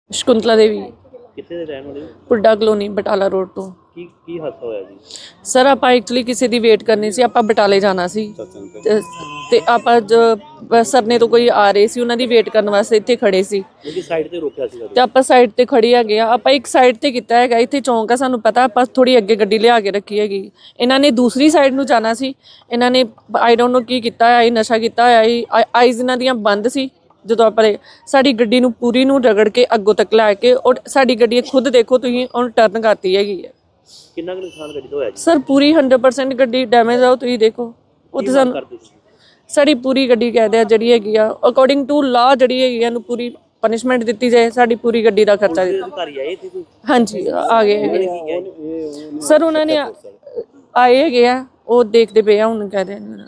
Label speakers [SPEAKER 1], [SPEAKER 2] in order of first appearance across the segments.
[SPEAKER 1] ਸ਼ਕੁੰਤਲਾ ਦੇਵੀ।
[SPEAKER 2] ਕਿੱਥੇ ਦੇ ਰਹਿਣ ਵਾਲੇ ਹੋ?
[SPEAKER 1] ਪੁੱਡਾ ਕਲੋਨੀ ਬਟਾਲਾ ਰੋਡ ਤੋਂ।
[SPEAKER 2] ਕੀ ਹਾਦਸਾ ਹੋਇਆ ਜੀ?
[SPEAKER 1] ਸਰ ਆਪਾਂ ਐਕਚੁਅਲੀ ਕਿਸੇ ਦੀ ਵੇਟ ਕਰਨੀ ਸੀ, ਆਪਾਂ ਬਟਾਲੇ ਜਾਣਾ ਸੀ ਤੇ ਆਪਾਂ ਸਰਨੇ ਤੋਂ ਕੋਈ ਆ ਰਹੇ ਸੀ, ਉਹਨਾਂ ਦੀ ਵੇਟ ਕਰਨ ਵਾਸਤੇ ਇੱਥੇ ਖੜੇ ਸੀ
[SPEAKER 2] ਕਿਉਂਕਿ ਸਾਈਡ ਤੇ ਰੋਕਿਆ ਸੀ
[SPEAKER 1] ਤੇ ਆਪਾਂ ਸਾਈਡ ਤੇ ਖੜੀ ਹੈਗੇ ਆ। ਆਪਾਂ ਇੱਕ ਸਾਈਡ ਤੇ ਕੀਤਾ ਹੈਗਾ, ਇੱਥੇ ਚੌਂਕ ਆ, ਸਾਨੂੰ ਪਤਾ ਆਪਾਂ ਥੋੜੀ ਅੱਗੇ ਗੱਡੀ ਲਿਆ ਕੇ ਰੱਖੀ ਹੈਗੀ। ਇਹਨਾਂ ਨੇ ਦੂਸਰੀ ਸਾਈਡ ਨੂੰ ਜਾਣਾ ਸੀ, ਇਹਨਾਂ ਨੇ ਆਈ ਡੋਂਟ ਨੋ ਕੀ ਕੀਤਾ ਹੋਇਆ, ਨਸ਼ਾ ਕੀਤਾ ਹੋਇਆ, ਆਈਜ਼ ਇਹਨਾਂ ਦੀਆਂ ਬੰਦ ਸੀ। ਜਦੋਂ ਆਪਾਂ ਸਾਡੀ ਗੱਡੀ ਨੂੰ ਪੂਰੀ ਨੂੰ ਰਗੜ ਕੇ ਅੱਗੋਂ ਤੱਕ ਲੈ ਕੇ, ਔਰ ਸਾਡੀ ਗੱਡੀ ਖੁਦ ਦੇਖੋ ਤੁਸੀਂ ਉਹਨੂੰ ਟਰਨ ਕਰਤੀ ਹੈਗੀ ਹੈ।
[SPEAKER 2] ਕਿੰਨਾ ਕੁ ਨੁਕਸਾਨ ਗੱਡੀ ਦਾ ਹੋਇਆ ਜੀ?
[SPEAKER 1] ਸਰ ਪੂਰੀ 100% ਗੱਡੀ ਡੈਮੇਜ ਆ, ਤੁਸੀਂ ਦੇਖੋ ਉੱਥੇ ਸਾਨੂੰ ਸਾਡੀ ਪੂਰੀ ਗੱਡੀ ਕਹਿ ਦਿਆ ਜਿਹੜੀ ਹੈਗੀ ਆ ਅਕੋਰਡਿੰਗ ਟੂ ਲਾ ਜਿਹੜੀ ਹੈਗੀ ਇਹਨੂੰ ਪੂਰੀ ਪਨਿਸ਼ਮੈਂਟ ਦਿੱਤੀ ਜਾਏ, ਸਾਡੀ ਪੂਰੀ ਗੱਡੀ ਦਾ ਖਰਚਾ ਦਿੱਤਾ। ਹਾਂਜੀ ਆ ਗਏ ਹੈਗੇ ਸਰ, ਉਹਨਾਂ ਨੇ ਆਏ ਹੈਗੇ ਆ, ਉਹ ਦੇਖਦੇ ਪਏ ਆ ਹੁਣ ਕਹਿ ਰਹੇ ਨੇ।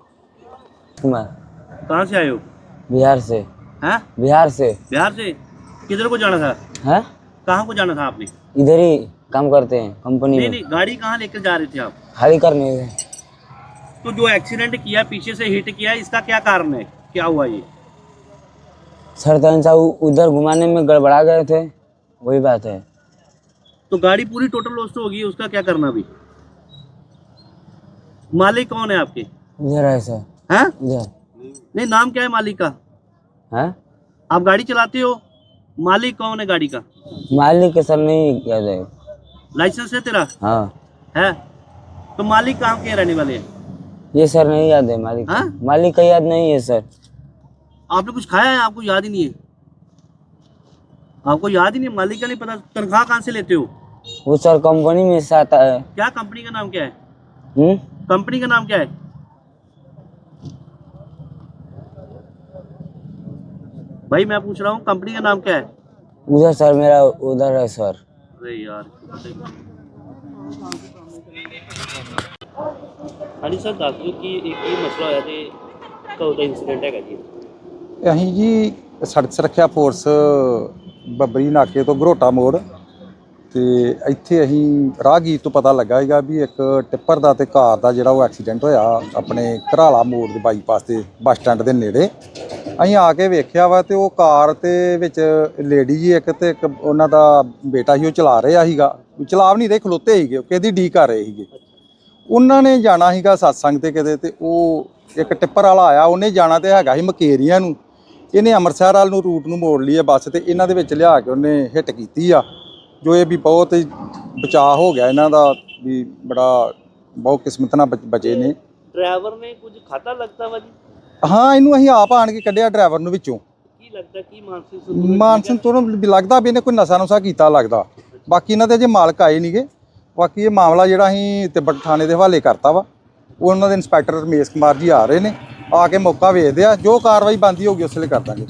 [SPEAKER 2] कहाँ से आए हो?
[SPEAKER 3] बिहार से।
[SPEAKER 2] हैं?
[SPEAKER 3] बिहार से।
[SPEAKER 2] बिहार से किधर को जाना था?
[SPEAKER 3] है?
[SPEAKER 2] कहाँ को जाना था आपने?
[SPEAKER 3] इधर ही काम करते हैं कंपनी
[SPEAKER 2] नहीं
[SPEAKER 3] में।
[SPEAKER 2] नहीं, गाड़ी कहाँ लेकर जा रहे थे आप?
[SPEAKER 3] खाली करने में।
[SPEAKER 2] तो जो एक्सीडेंट किया, पीछे से हिट किया, इसका क्या कारण है? क्या हुआ ये?
[SPEAKER 3] सर तनसा उधर घुमाने में गड़बड़ा गए थे, वही बात है।
[SPEAKER 2] तो गाड़ी पूरी टोटल लॉस्ट होगी, उसका क्या करना अभी? मालिक कौन है आपके?
[SPEAKER 3] इधर है सर।
[SPEAKER 2] हैं?
[SPEAKER 3] इधर।
[SPEAKER 2] नहीं, नाम क्या है मालिक का?
[SPEAKER 3] है?
[SPEAKER 2] आप गाड़ी चलाते हो, मालिक कौन है गाड़ी का?
[SPEAKER 3] मालिक के सर नहीं याद है।
[SPEAKER 2] लाइसेंस है तेरा?
[SPEAKER 3] हाँ
[SPEAKER 2] है। तो मालिक कहाँ के रहने वाले हैं?
[SPEAKER 3] ये सर नहीं याद है मालिक।
[SPEAKER 2] हाँ?
[SPEAKER 3] मालिक का याद नहीं है सर।
[SPEAKER 2] आपने कुछ खाया है, आपको याद ही नहीं है? आपको याद ही नहीं, मालिक का नहीं पता? तनख्वाह कहाँ से लेते हो?
[SPEAKER 3] वो सर कंपनी में से आता है।
[SPEAKER 2] क्या कंपनी का नाम क्या है? कंपनी का नाम क्या है? भाई मैं पूछ रहा हूँ, कंपनी का नाम क्या है?
[SPEAKER 3] उधर सर मेरा उधर है सर।
[SPEAKER 2] अरे यार। हाँ जी सर, दस दो कि एक मसला होया ते कदों दा इंसीडेंट है जी?
[SPEAKER 4] ਅਸੀਂ ਜੀ ਸੜਕ ਸੁਰੱਖਿਆ ਫੋਰਸ ਬੱਬਰੀ ਨਾਕੇ ਤੋਂ ਘਰੋਟਾ ਮੋੜ ਤੇ ਇੱਥੇ ਅਸੀਂ ਰਾਹਗੀਰ ਤੋਂ ਪਤਾ ਲੱਗਾ ਹੈਗਾ ਵੀ ਇੱਕ ਟਿੱਪਰ ਦਾ ਤੇ ਕਾਰ ਦਾ ਜਿਹੜਾ ਉਹ ਐਕਸੀਡੈਂਟ ਹੋਇਆ ਆਪਣੇ ਘਰਾਲਾ ਮੋੜ ਦੇ ਬਾਈਪਾਸ ਤੇ ਬੱਸ ਸਟੈਂਡ ਦੇ ਨੇੜੇ। ਅਸੀਂ ਆ ਕੇ ਵੇਖਿਆ ਵਾ ਤੇ ਉਹ ਕਾਰ ਤੇ ਵਿੱਚ ਲੇਡੀ ਜੀ ਇੱਕ ਤੇ ਇੱਕ ਉਹਨਾਂ ਦਾ ਬੇਟਾ ਸੀ, ਉਹ ਚਲਾ ਰਿਹਾ ਸੀਗਾ, ਚਲਾ ਵੀ ਨਹੀਂ ਰਹੇ, ਖਲੋਤੇ ਸੀਗੇ, ਕਿਹਦੀ ਡੀ ਕਰ ਰਹੇ ਸੀਗੇ। ਉਹਨਾਂ ਨੇ ਜਾਣਾ ਸੀਗਾ ਸਤਸੰਗ ਤੇ ਕਿਤੇ, ਤੇ ਉਹ ਇੱਕ ਟਿੱਪਰ ਵਾਲਾ ਆਇਆ, ਉਹਨੇ ਜਾਣਾ ਤੇ ਹੈਗਾ ਸੀ ਮਕੇਰੀਆਂ ਨੂੰ, ਇਹਨੇ ਅੰਮ੍ਰਿਤਸਰ ਵਾਲ ਨੂੰ ਰੂਟ ਨੂੰ ਮੋੜ ਲਈ ਹੈ ਬੱਸ, ਤੇ ਇਹਨਾਂ ਦੇ ਵਿੱਚ ਲਿਆ ਕੇ ਉਹਨੇ ਹਿੱਟ ਕੀਤੀ ਆ, ਜੋ ਇਹ ਵੀ ਬਹੁਤ ਬਚਾਅ ਹੋ ਗਿਆ ਇਹਨਾਂ ਦਾ, ਵੀ ਬੜਾ ਬਹੁਤ ਕਿਸਮਤ ਨਾਲ ਬਚੇ ਨੇ।
[SPEAKER 2] ਡਰਾਈਵਰ ਨੇ ਕੁਝ ਖਾਤਾ ਲੱਗਦਾ ਵਾ ਜੀ?
[SPEAKER 4] ਹਾਂ, ਇਹਨੂੰ ਅਸੀਂ ਆਪ ਆਣ ਕੇ ਕੱਢਿਆ ਡਰਾਈਵਰ ਨੂੰ ਵਿੱਚੋਂ।
[SPEAKER 2] ਕੀ ਲੱਗਦਾ, ਕੀ
[SPEAKER 4] ਮਾਨਸਿਕ ਤੋਂ ਲੱਗਦਾ ਵੀ ਇਹਨੇ ਕੋਈ ਨਸ਼ਾ ਨੁਸ਼ਾ ਕੀਤਾ ਲੱਗਦਾ। ਬਾਕੀ ਇਹਨਾਂ ਦੇ ਅਜੇ ਮਾਲਕ ਆਏ ਨਹੀਂਗੇ। ਬਾਕੀ ਇਹ ਮਾਮਲਾ ਜਿਹੜਾ ਅਸੀਂ ਤਿੱਬਤ ਥਾਣੇ ਦੇ ਹਵਾਲੇ ਕਰਤਾ ਵਾ, ਉਹ ਉਹਨਾਂ ਦੇ ਇੰਸਪੈਕਟਰ ਰਮੇਸ਼ ਕੁਮਾਰ ਜੀ ਆ ਰਹੇ ਨੇ, ਆ ਕੇ ਮੌਕਾ ਵੇਖਦੇ ਆ, ਜੋ ਕਾਰਵਾਈ ਬਣਦੀ ਹੋਊਗੀ ਉਸ ਵੇਲੇ ਕਰ ਦਾਂਗੇ।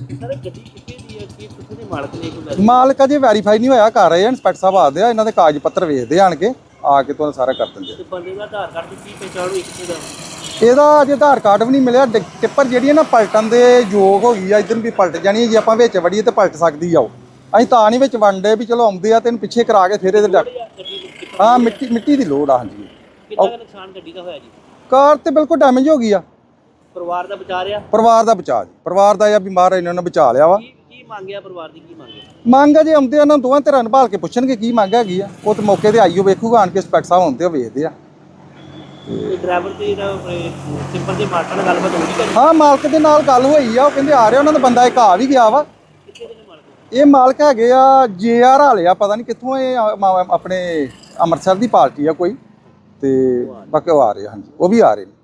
[SPEAKER 4] ਮਾਲਕ ਅਜੇ ਵੈਰੀਫਾਈ ਨਹੀਂ ਹੋਇਆ, ਕਰ ਰਹੇ ਆ, ਇੰਸਪੈਕਟਰ ਸਾਹਿਬ ਆਦੇ ਆ, ਇਹਨਾਂ ਦੇ ਕਾਗਜ਼ ਪੱਤਰ ਵੇਖਦੇ ਆਣ ਕੇ, ਆ ਕੇ ਤੁਹਾਨੂੰ ਸਾਰਾ ਕਰ ਦਿੰਦੇ ਆ।
[SPEAKER 2] ਬੰਦੇ ਦਾ ਆਧਾਰ ਕਾਰਡ ਦੀ ਕੀ ਪਛਾਣ ਹੋਈ ਕਿਸੇ ਦਾ?
[SPEAKER 4] ਇਹਦਾ ਅਜੇ ਆਧਾਰ ਕਾਰਡ ਵੀ ਨਹੀਂ ਮਿਲਿਆ। ਟਿੱਪਰ ਜਿਹੜੀ ਹੈ ਨਾ ਪਲਟਣ ਦੇ ਯੋਗ ਹੋ ਗਈ ਆ, ਇੱਧਰ ਵੀ ਪਲਟ ਜਾਣੀ ਹੈ, ਜੇ ਆਪਾਂ ਵਿੱਚ ਵੜੀਏ ਤਾਂ ਪਲਟ ਸਕਦੀ ਆ। ਉਹ ਅਸੀਂ ਤਾਂ ਨਹੀਂ ਵਿੱਚ ਵੰਡੇ ਵੀ ਚਲੋ ਆਉਂਦੇ ਆ ਤੈਨੂੰ ਪਿੱਛੇ ਕਰਾ ਕੇ ਫਿਰ ਇਹਦੇ ਜਾ। ਹਾਂ, ਮਿੱਟੀ ਦੀ ਲੋੜ ਆ। ਹਾਂਜੀ।
[SPEAKER 2] ਕਿੰਨਾ ਨੁਕਸਾਨ ਗੱਡੀ ਦਾ ਹੋਇਆ ਜੀ?
[SPEAKER 4] ਕਾਰ ਤੇ ਬਿਲਕੁਲ ਡੈਮੇਜ ਹੋ ਗਈ ਆ।
[SPEAKER 2] ਪਰਿਵਾਰ ਦਾ ਬਚਾ ਰਿਹਾ?
[SPEAKER 4] ਪਰਿਵਾਰ ਦਾ ਬਚਾ ਜੀ, ਪਰਿਵਾਰ ਦਾ ਜਾਂ ਬਿਮਾਰ ਇਹਨਾਂ ਨੇ ਬਚਾ ਲਿਆ ਵਾ।
[SPEAKER 2] ਕੀ ਮੰਗਿਆ ਪਰਿਵਾਰ ਦੀ, ਕੀ ਮੰਗਿਆ?
[SPEAKER 4] ਮੰਗ ਆ ਜੇ ਆਉਂਦੇ ਆ, ਉਹਨਾਂ ਦੋਵਾਂ ਧਿਰਾਂ ਨੂੰ ਭਾਲ ਕੇ ਪੁੱਛਣਗੇ ਕੀ ਮੰਗ ਹੈਗੀ ਆ, ਉਹ ਤੇ ਮੌਕੇ ਤੇ ਆਈਓ ਵੇਖੂਗਾ ਆਣ ਕੇ, ਇੰਸਪੈਕਟਰ ਸਾਹਿਬ ਆਉਂਦੇ ਆ ਵੇਖਦੇ ਆ।
[SPEAKER 2] ਡਰਾਈਵਰ ਤੇ ਸਿੰਪਲ ਦੇ ਮਾਲਕ ਨਾਲ ਗੱਲਬਾਤ ਹੋਈ?
[SPEAKER 4] ਹਾਂ, ਮਾਲਕ ਦੇ ਨਾਲ ਗੱਲ ਹੋਈ ਆ, ਉਹ ਕਹਿੰਦੇ ਆ ਰਿਹਾ, ਉਹਨਾਂ ਦਾ ਬੰਦਾ ਇੱਕ ਆ ਵੀ ਗਿਆ ਵਾ। ਇਹ ਮਾਲਕ ਹੈਗੇ ਆ JR ਵਾਲੇ ਆ, ਪਤਾ ਨਹੀਂ ਕਿੱਥੋਂ, ਇਹ ਆਪਣੇ ਅੰਮ੍ਰਿਤਸਰ ਦੀ ਪਾਰਟੀ ਆ ਕੋਈ, ਤੇ ਬਾਕੀ ਉਹ ਆ ਰਹੇ। ਹਾਂਜੀ, ਉਹ ਵੀ ਆ ਰਹੇ ਨੇ।